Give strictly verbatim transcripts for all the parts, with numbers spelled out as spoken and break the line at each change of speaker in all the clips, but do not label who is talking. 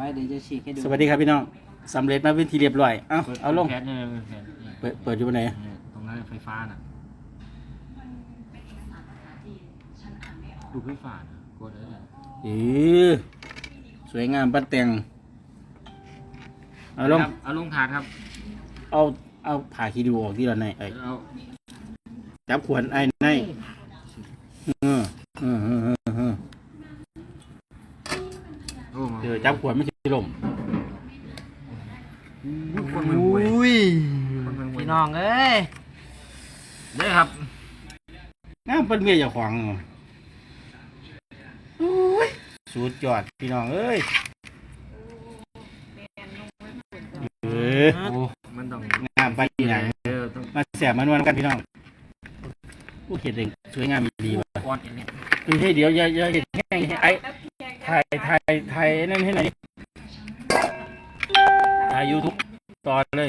ว้เดี๋ยวจะฉีกให้ดู
สวัสดีครับพี่น้องสำเร็จมาเป็นทีเรียบร้อยเอาเอาลง
แคสเนี่ยแคส
เปิดเปิดอยู่บนไหน
ตรงนั้นไฟฟ้าน่ะดูไฟฟ้าน่ะกดเลย
เออสวยงามปัดแต่งเอาลง
เอาลงถาดครับ
เอาเอาผ่าคีดูออกที่เราในไอ้
เอา
จับขวดไอ้ในเออเออเออเออเออ
โอ้มา
เดี๋ยวจับขวดไม่ใช่ลม
คนมันห่วย
อุ้ย
คนมันห่วย
พี่น้องเอ้ย
ได้ครับ
งามเป็นเมียเจ้าของโอ้ยสุดยอดพี่น้องเอ้ยเออ
โอ้มันต้อง
งามไปอย่าง
เออต้อง
มาแสบมานวลกันพี่น้องผู้เขียนเองสวยงามดีว่ะ
ก้อนอย่างเนี้ย
คือให้เดี๋ยวอย่าอย่าเห็นแห้งไอ้ถ่ายถ่ายถ่ายนั่นให้หน่อยถ่ายยูทูบตอนเลย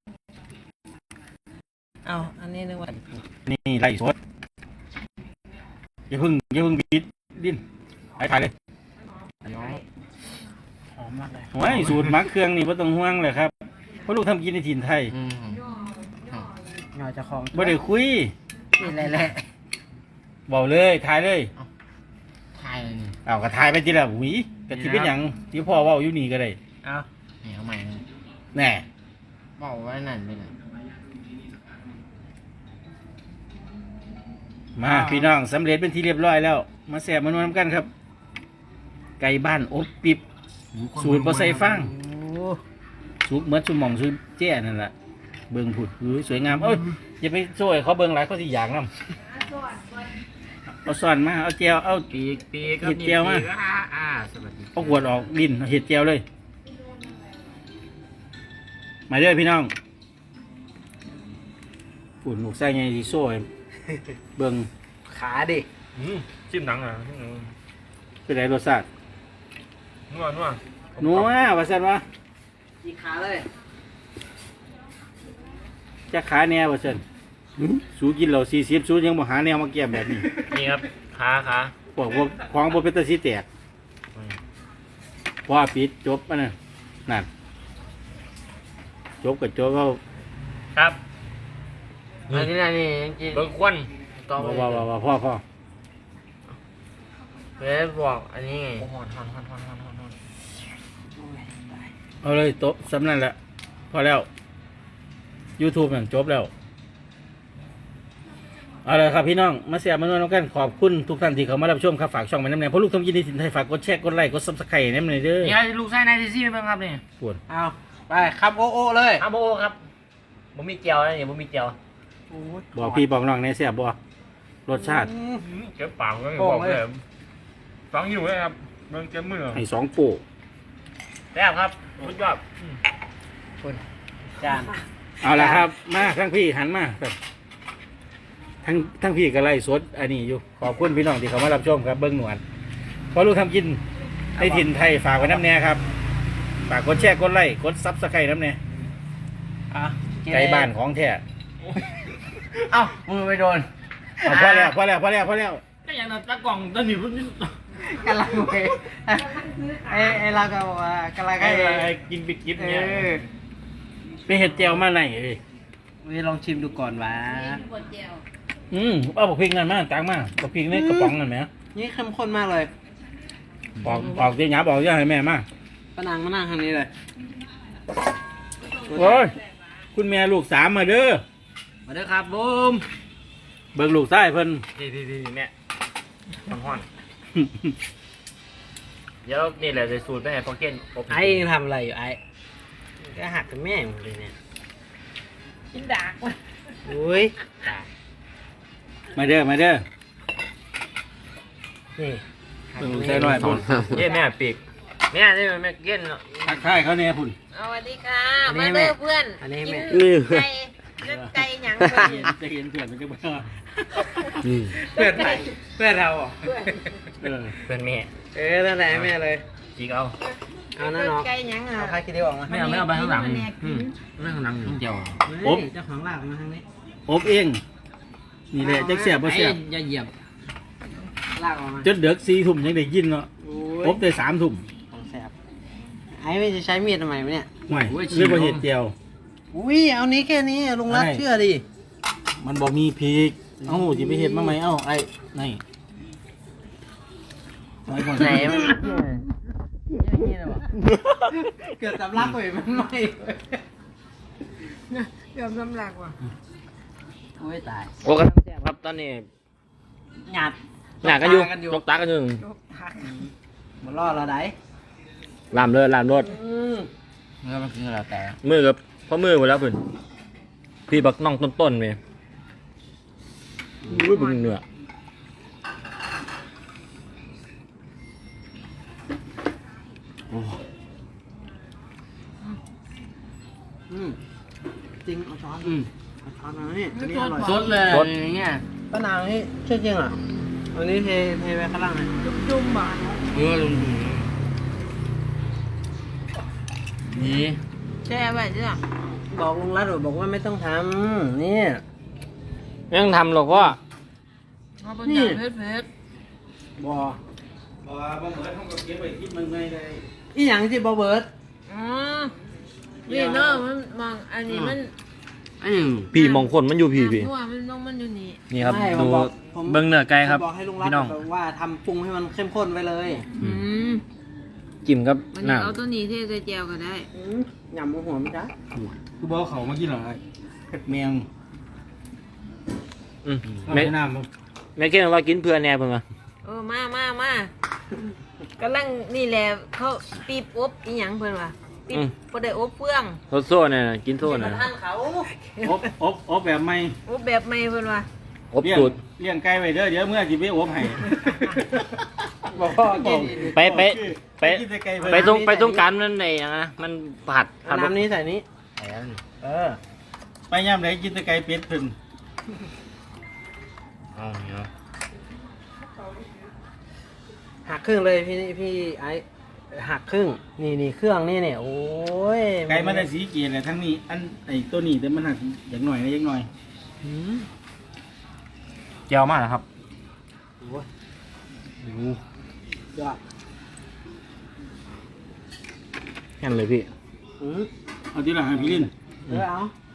เอาอันนี้นึกว่า
นี่ไล่สดอย่าเพิ่งอย่าเพิ่งบิดดิ้นถ่ายถ่ายเลย
น้อง
หอมมากเลย
โอ้ยสูตรหมักเครื่องนี่ไม่ต้องห่วงเลยครับเพราะลูกทำกินในถิ่นไทย
อืม
เงาจะคลอง
ไม่ได้คุย
นี่แหละแหละ
บอกเลยถ่ายเลย
ทายเลยนี่
เอาก็ถ่ายไปทีละหวีกะทิเป็นอย่างที่พ่อเว่าอยู่นี่ก็ได้
เอา
นี่เอาใหม่นะ
แน่
บอกไว้นั่นไปเลย
มาพี่น้องสำเร็จเป็นที่เรียบร้อยแล้ว มาแสบมานวลกันครับ ไก่บ้านอบปิบ สูตรบ่ใส่ฟาง
โอ้
สุกเหมือนชุมหม่องชุมแจ้นั่นแหละเบิ่งผุดหือสวยงามเอ้ยอย่าไปโซ่ให้เขาเบิ่งหลายเขาสิอยากนำเอาซ่อนมาเอาแจวเอา
ปีกปีก
เห็ดเจียวมา
อ่าอ่าสวัสดี
เอาขวดออกดินเอาเห็ดแจวเลย มาเด้อพี่น้องฝุ่นลูกไส้ไงสิโซ่ให้เบิ่ง
ขาดิ
อืมจิ้มหนังอ่ะ
เป็นไรรสชาติ
นัวนัว
นัวว่าซั่นวะ
อีกขาเลย
จักขาแนวว่าซั่นสูกินเหล้าสี่สิบสูยังบ่หาแนวมาแก้มแบบนี้
นี่ครับขาขา
พวกพวกของบ่เป็นตาสิแตกพอปิดจบอันนั้นนั่นจบก็จบเอา
ครับ
อันนี้นะนี่จริง
เบิกควัน
ต่อไป
ว่าว่าว่าพ่อพ่อ
เว้ยบอกอันนี้ไง
โอ้ฮอนฮอนฮอนฮอนฮอนฮอนฮอน
เอาเลยโต๊ะสำนั่นแหละพอแล้ว YouTube นั่นจบแล้วเอาเลยครับพี่น้องมาเสียมานวลกันขอบคุณทุกท่านที่เข้ามารับชมครับฝากช่องมาน้ำแนงเพราะลูกทำยินดีสินไทยฝากกดแชร์กดไลค์กดซับสไครต์น้ำแนงเด้อ
นี่ครับลูกไส้นายซีซี่เป็นครับนี่
ปวด
เอาไปครับโอโอเลย
อาโบครับผมมีเจียวนะเนี่ยผมมีเจียว
โอ้ย
บอกพี่บอกน้องในเสียบบ่รสชาติ
อืม
เจ็บปากก็
โอ้
บอก
เลย
เลยฟังอยู่เลยครับมันเจ็บมือ
ให้สองโป้
แซ่บครับสุดยอด
คุณจาน
เอาละครับ มาทั้งพี่หันมาครับทั้งทั้งพี่ก็ไล่สดอันนี้อยู่ขอบคุณพี่น้องที่เข้ามารับชมครับเบิ้งหนวดเพราะลูกทำกินในถิ่นไทยฝากไว้น้ำแน่ครับฝากกดแชร์กดไลค์กดซับสไครต์น้ำแน่
อ่ะ
ไก่บ้านของแท้
เอ้ามือไปโดน
เอาพอแล้วพอแล้วพอแล้วพอแล้ว
ก็อย่างนั้นตะกล่องตะหนิว
กำลังไปไอ้ไอ้เราก็บอกว่ากำลัง
ไอ้
ไอ้
กินไปกิน
เอ
เนี่ย
อ
ไปเห็ดเจียวมาไหนเอ้ย
วิลองชิมดูก่อนวะ
อืมเอาบอกพริกนั่นมาตังมาบอกพริกในกระป๋องนั่นไหม
นี่เข้มข้นมากเลย
บอกบอกที่หยาบอกย่าให้แม่มา
ป้านางมานั่งทางนี้เลย
โอ้ยคุณแม่ลูกสามมาเด้อ
มาเด้อครับบูม
เบิ่งลูกใต้เพิ่น
ดีดีดีเนี่ยมันห้อนเดี๋ยวนี่แหละจะสูตรไปให้พอเก้นอบ
ไอ้ยังทำอะไรอยู่ไอ้ก็หักกับแม่หมดเลยเนี่ย
กินดากว่ะ
อุ้ยตาย
มาเด้อมาเด้อ
นี่
เบิ่งลูกใต้หน่อยพุ่น
เย้แม่ปีกแม่ได้แม่เก้น
ทักทายเขาเนี่ยพุ่น
สวัสดีค่ะ มาเด้อเพื่อน
อันนี้
กิ
แม่
นไก่เลือดไก่หยังเพื่อน
จะเห็นเพื่อนมันจะบ่
เพื่อนใครเพื่อนเราเหรอ
เออ
เพื่อนแม่
เออนั่นแหละแม่เลย
จีกเอา
เอานั่น
เลือ
เนาะ
ดไก่หยังอ่ะ
เอาผ้าคิดดีออกมา
ไม่เอาไม่เอาไปข้างหลัง
แม่กิ
อื
น
มไม่ข้างหลังเจียว
เฮ้ยเจ้าของลากมาทางนี้
อบเองนี่แหละจักเสียบบ่เสียบ
อย่าเหยียบลากออกมา
จนเด็กสี่ทุ่มยังได้ยินเนาะ
โอ้ย
อบได้สามทุ่ม
ของแสบไอ้ไม่จะใช้มีดทำไมวะเนี่ย
ห่วยเรียกว่าเห็ดเจียว
อุ้ยเอานี้แค่นี้ลุงรัก
ไม่
เชื่อดิ
มันบอกมีพริกเอ้าจะไปเห็ดมาไหมเอ้าไอ้นี่ไว้ก่อน
ไหนมันนี่นะวะเกิดสำลักไปมันไหม
เกือบสำลักว่ะ
โอ้ยตาย
โอ้กำลังแซ่บครับตอนนี้
หยาด
หนักกันอยู่
กันอยู่
ยกตากันอยู่
ยกทัก
มันรอดเราได้
ลามเลยลามรถ
อืม
เมื่อมันคืออะไรแต่
มือกับพ่อมือหมดแล้วเพิ่นพี่บักน้องต้นๆเว้ยอุ้ยบึงเนื้อ
อืมจริงเอาช้อน
อืม
เอาช้อนมานี่อันนี้อร่อย
สดเลย
สด
อย่างเงี้ย
ป้านางนี่เชื่อจริงเหรออันนี้เทเทไปข้างล่างเลย
จุ่มๆบ่า
เออลุงนี่
แช่ไว้จ้ะ
บอกลุงรัตบอกว่าไม่ต้องทำนี่
ไม่ต้องทำหรอกพ่อ
เอาไปจับเพชรเพชร
บอ
บ่บ่เหมือนเขาก็เก็บไว้กินมันไม่ได้
อีหยังที่บอเบิร์ด
อ๋อนี่เนาะมันมองอันนี้มัน
อันนี้
พี่มองคนมันอยู่พี่พี่
ตัวมันต้องมันอยู่นี่
นี่ครับ
ไม่ผ
ดู
มบอกผม
เบิ้งเนื้อไก่ครับ
ผมบอกให้ลุงรัต
พี่น้อง
บอกว่าทำปรุงให้มันเข้มข้นไว้เลย
อืม
จิ้มกับ
มัน
น้
เอาตัวนี้เทใส่แจวก็ได้
อืมยำหัวมันจ้ะ
คือบอกเขามากินเหรอไอ้เผ็ดแมง
ำอืม
เอา
แม่
ไปน้ำบ่
แม่เก่งว่ากินเพื่อแน่เพิ่นว่า
เออมามามากำลังนี่แหละเขาปีบอบอีหยังเพิ่นว่าปีบบ่ได้อบเฟือง
โซโซ่เนี่ยกินโซ่
มา
เนี่ย
ทานเขา
อบอบอบแบบไม่
อบแบบใหม่เพิ่นว่า
อบ
เลี้ยง
สูตร
เลี้ยงไก่ไว้เด้อเดี๋ยวเมื่อสิไปอบให้
บอกพ่อกิน
ไปไปไป
กินแต่ไก่เพิ่น
ไปตรงไปตรงกลารมันในอย่างนะมันผัด
เอา
ผัด
น้ำนี้ใส่นี้ เออ
ไปย่ำไหนกินแต่ไก่เป็ดเพิ่น
อ๋อเนี่ย
หักครึ่งเลยพี่พี่ไอ้หักครึ่ง นี่นี่เครื่องนี่เนี่ยโอ้ย
ไก่มันได้สีเกียรติทั้งนี้อันไอ้ตัวนี้แต่มันหักอย่างหน่อยนะอย่างหน่อย
อืม
เจียวมากนะครับ
โอ้ยยอด
แค่นั้นเลยพี่
อืม
เอาทีหลังให้พี่ลิน
เออเอา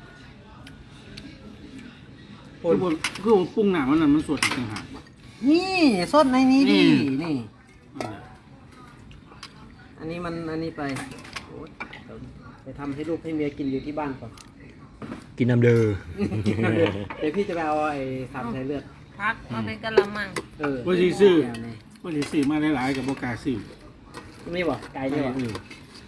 คือบ่คือบ่ปรุงหน้ามันนั่นมันสดอีกต่างหาก
นี่สดในนี้ดิ
อืม
นี่
นั่นแหละ
อันนี้มันอันนี้ไปโอ้ยเดี๋ยวไปทำให้ลูกให้เมียกินอยู่ที่บ้านก่อน
กินน้ำเด้อ
เดี๋ยวพี่จะไปเอาไอ้สามสายเลือด
พักเอาไปกะละมัง
เออ
ว่าสิซื้อ
แนวนี้
ว่าสิซื้อมาหลายๆกับบ่กล้าซื้อ
นี่บอกไก่นี่บอก
เออ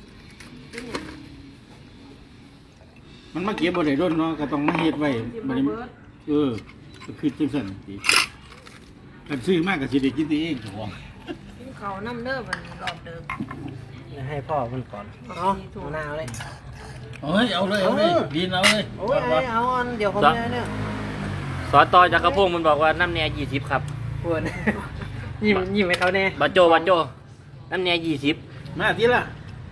มันมาเก็บบ่ได้โดนเนาะก็ต้องมาเฮ็ดไว้บ่ได้เออก็คือจังซั่นติกันซื้อมากก็สิได้กินแต่เองเจ้าของ
กินข้าวน้ำเด้อมันรอบเดิม
ให้พ่อมันก่อนเอาเอาหน้าเอาเลย
เอ้ยเอาเลยเอาเลยดินเอาเลย
โอ้ยไอ้เอาอันเดี๋ยวผมเนี่ยเนี่ย
สอต่อจากกระพงมันบอกว่าน้ำแน่ยี่สิบครับ
ปวด ยิ้มยิ้มให้เขาแน่
บัจโจบัจโจน้ำแน่ยี่สิบ
มาทีละ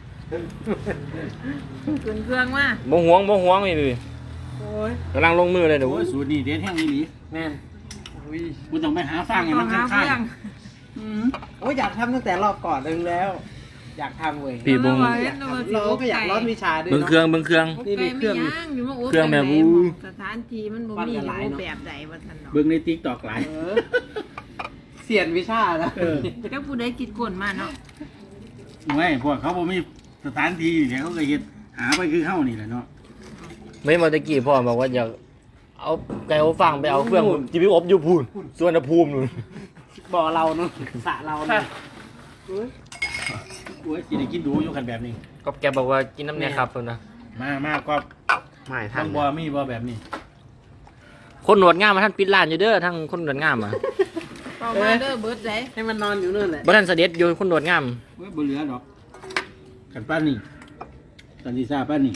ขึ้นเครื่องมา
บ่ห่วงบ่ห่วงนี่พี่
โอ้ย
กำลังลงมือเลยเดี๋ยว
โอ้ยสูตรนี้เด็ดแห้งอีหลี
แม่นอุ้ย
กูต้องไปหาฟางให้มัน
หา
ข้าง
เฟือง
อืมโอ้ยอยากทำตั้งแต่รอบก่อนนึงแล้ว อยากทำเว้ย
พี่บง
อยากทำเราก็อยากร้อนวิชาด้วย
เบิ่ง
เนาะ
เครื่องเบิ่งเครื่อง
อบไก่ไม่ย่างอยู่มาอบ
เครื่องแบบ
ไหน
อู้
สถานที่มันบ่มีอยู่แบบใดว่าท่านเนาะ
เบิ่งใน TikTok หลาย
เออเสียนวิชาแล้ว
เออ
ก็ผู้ใดคิดคนมาเนาะ
ไม่พวกเขาบ่มีสถานที่เดี๋ยวเขาก็เฮ็ดหาไปคือเฮานี่แหละเนาะ
ไม่มาตะกี้พ่อบอกว่าอยากเอาไก่อบฟางไปเอาเครื่องจีบีอบอยู่พูนส่วนภูมินู่น
บ่อเราเนาะสระเราเนาะ
โอ้ยสิได้กินดูอยู่กันแบบนี้
ก็แกบอกว่ากินน้ำแน่ครับเพิ่นนะ
มามาก็
ไม่ทั
ทาน งบ่มีบ่แบบนี้
คนหนวดงามมาท่านปิดร้านอยู่เด้อทั้งคนหนวดงามอ่ะ
ต่อมาเด้อเบิดใจ
ให้มันนอนอยู่นู่นแหละ
บ่ทันเสด็จอยู่คนหนวดงาม
เว้ยบ่เหลือดอกกันป้านนี่กันสิซ่าป้านนี่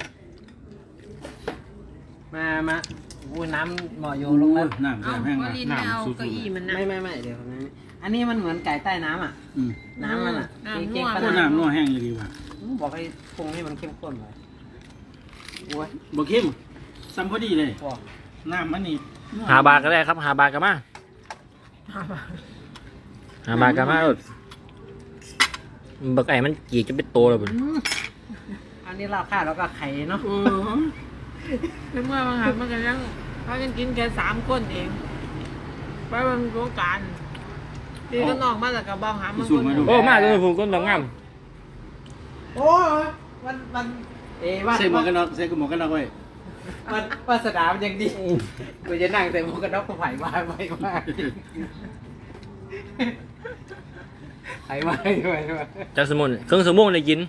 มามาอุ้ยน้ำหมอโยลงแล้ว
น้ำ
เอา
แซ่บแห้ง
ว
นะ
ลินไม่เอา
น้ำสุด
เก้าอี้มันนะ
ไม่ไม่ไม่เดี๋ยวนะอันนี้มันเหมือนไก่ใต้น้ำอ่ะ
ๆอืม
น้ำมันอ่ะ
น้ำ
เก่ง
นัว
ๆข
โอ้
นาด
น้ำนัวแห้งอยู่ดีว่ะ
บอกให้ปรุงให้มันเข้มข้นเลยโอ้ย
บ่เข้มซ้ำพอดีเลย
บอก
น้ำมันนี่
หาบาทก็ได้ครับหาบาทก็มาหาบาทก็มาเออบักไอ้มันกี่จะเป็นโตแล้วเพิ่น
อืมอันนี้เราข้าวแล้วก็ไข่เนาะ
อืมแล้วเมื่อมันหันมันก็ยังพากันกินแค่สามคนเองไปมันโครงการตีก็นอกมาแล้วก็บ้องหามันคนเดียว
โอ้มาเลยผมก็ต้องงาม
โอ้ยมันมันเอ้ว่า
ใส่หมวกกันน็อกใส่หมวกกันน็อกไว้
มันวาสนามันยังดีกูจะนั่งใส่หมวกกันน็อกกูไผ่มาไม่มาไผ่มาไผ่มา
จากสมุนเครื่องสมุนเลยกิน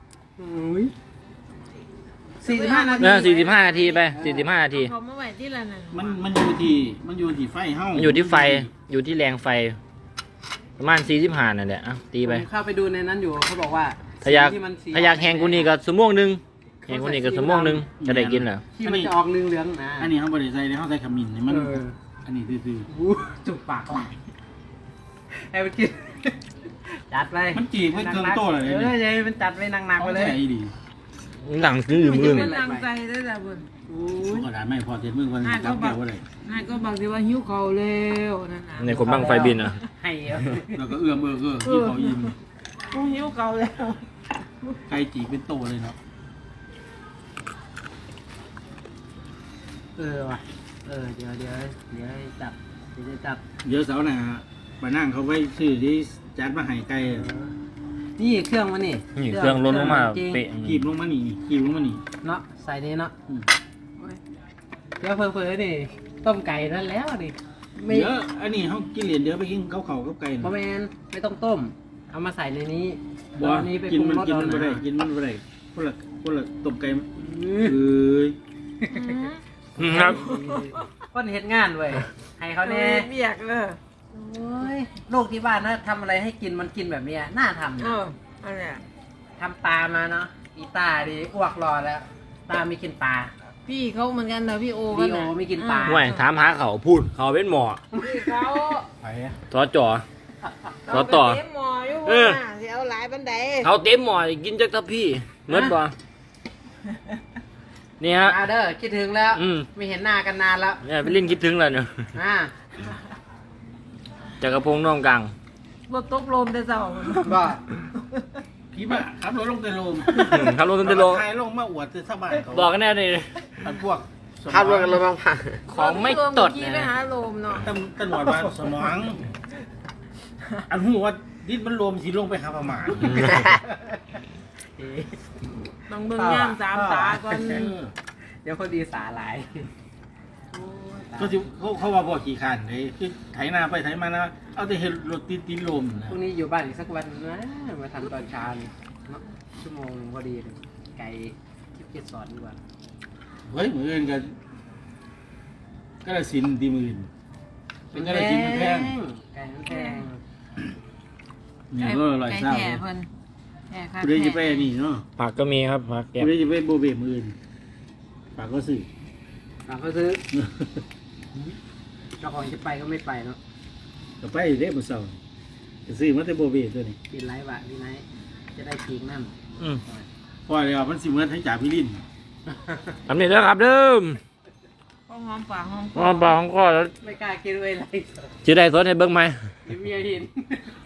สี่สิบห้านาที
เออสี่สิบห้านาทีไปสี่สิบห้านาที
เขามาไหวที่ละนั่น
มันมันอยู่ที่มันอยู่ที่ไฟเฮา
มันอยู่ที่ไฟอยู่ที่แรงไฟ ประมาณสี่สิบห้านั่นแหละอ่ะตีไป
ผมเข้าไปดูในนั้นอยู่เขาบอกว่า
ถ้าอยาก
ที่มันสี
ถ้าอยากแหงกูนี่ก็สมงหนึงแหงกูนี่ก็สมงหนึงจะได้กินเหรอ
ที่มันจะออกเหลืองๆนะ
อันนี้เฮาบ่ได้ใส่เด้เฮาใส่ขมิ้นนี่มัน
เออ
อันนี้ซื่อ
อู้จุกปากว่ะให้มันกินจัดไป
ๆมันจีบไว้เครื่องโตเลย
เออยัยมันจัดไว้หนักๆไปเลย
อาใจดี
หนังคือมือ
มั
นี่
นตั้งใจได้แต่บุญ
ก็ได้ไม่พอเสร็จมือคนจับแก้วบ่ได้
นายก็บอกที่ว่าหิวเขาเร็วนั่นน่ะ
ในคนบังไฟบินอ่ะ
ให้เยอะ
แล้วก็เอื้อมเอื้อเอื้อที่เขายิ้ม
กูหิวเขาแล้ว
ไก่จีบเป็นโตเลยเนาะ
เออว่ะเออเดี๋ยวเดี๋ยวเดี๋ยวให้จับเดี๋ยวจะจับ
เดี๋ยวเสาร์หน้าไปนั่งเขาไว้ซื้อที่จัดมาให้ไก่
นี่เครื่องมันนี่
นี่เครื่องล้นลงมา
จริง
เป๊ะ
กีบลงมานี่กีบลงมานี่
เนาะใส่นี่เนาะ
อืม
เดี๋ยวเพิ่มๆนี่ต้มไก่นั่นแล้วนี่ไม่
เดี๋ยวอันนี้เขากินเหรียญเดี๋ยวไปกินข้าวเขากับไก่
บะแมนไม่ต้องต้ม เอามาใส่ในนี้
บ่
เอาอันนี้ไป
กิน
ปรุง
มัน
รส
กิน
เอา
มันบ่ได้
นะ
กินมันบ่ได้คนละคนละต้มไก่
อืม
เอ้ย
อืมครับ
คนเห็นงานเว้ยให้เขา
เขา
แน่
เบียกเลย
โอ้ยลูกที่บ้านนะทำอะไรให้กินมันกินแบบเนี้ยน่าทำ
เอ
นะ
ออันเนี้ย
ทำปลามาเนาะอีตาดีอ้วกรอแล้ว ตาไม่กินปลา
พี่เขาเหมือนกันนะพี่โอก็
พี่โอ
นะ
ไม่กินปลา
ห่วยถามหาเขาพูดเขาเป็นหมอ
พี่เขา
ไปอะ
ทอจ่อ เขาต่อ
เาไปเต็มหมออยู่
เออ
ว่าสิเอาหลายบันได
เขาเต็มหมอกินจากทัพพี่เมื่อบ่นี่ฮะ
อาเด้อคิดถึงแล้ว
อืม
ไม่เห็นหน้ากันนานแล้ว
เนี่ยไปเล่นคิดถึงแล้วเนี่ย
อ่า
จักรพงษ์น้องกลาง
รถตกลมแต่เจ้า
ก็
พี่บ้าขับรถลงแต่โลม
อืมขับรถตั้งแต่โล
ใครลงมาอวดแต่ชาวบ้านเขา
บอกกันแน่เลย
อันพวกสมอง
ขับรถกันรถบางผ่าน
ของไม่ตด
ขี่
นะ
ไปหาลมเนาะ
ตำตำรวจว่าสมองอันหูว่าดินมันรวมสิลงไปหาประมาณ
ต้องเบิ่งย่างสามตาก่อน
เออ
เดี๋ยวคนดีสาหลาย
เขาสิเขาเขาว่าบ่ขี่ขันเลยคือไถนาไปไถมานะเอาแต่เห็นรถติดติดลมนะ
พรุ่งนี้อยู่บ้านอีกสักวันนะมาทำตอนเช้านี่เนาะชั่วโมงหนึ่งพอดีเลยไก่ทิพย์เกสรดีกว่า
เฮ้ยมืออื่นกันก็ละสินดีมืออื่นเป็นก็ละสินมันแพง
ไก่มันแพง
นี่ก็อร่อย
ไก่
เศร้า
แท้เพิ่นแท้ค่ะ
คุณได้จะไปอันนี้เนาะ
ผักก็มีครับผักแก
คุณได้จะไปโบเบมืออื่นปากก็ซื้อ
เราก็ซื้อเจ้าของจะไปก็ไม่ไปเนาะ
ก็ไปเด้มือเศร้าก็ซื้อมาแต่โบเบตัวนี้
กินไรบะพี่ไนท์จะได้พีกนั่น
อืม
พอแล้วมันสิเหมือนให้จ่าพี่ลิน
ทำนี่แล้วครับเดิม
ก็หอมปากหอมค
อ๋อปลาของข้อแล้ว
ไม่กล้ากินเลยไร
จะได้สดให้เบิ้งไหม
เดี๋ยวเมียเห็น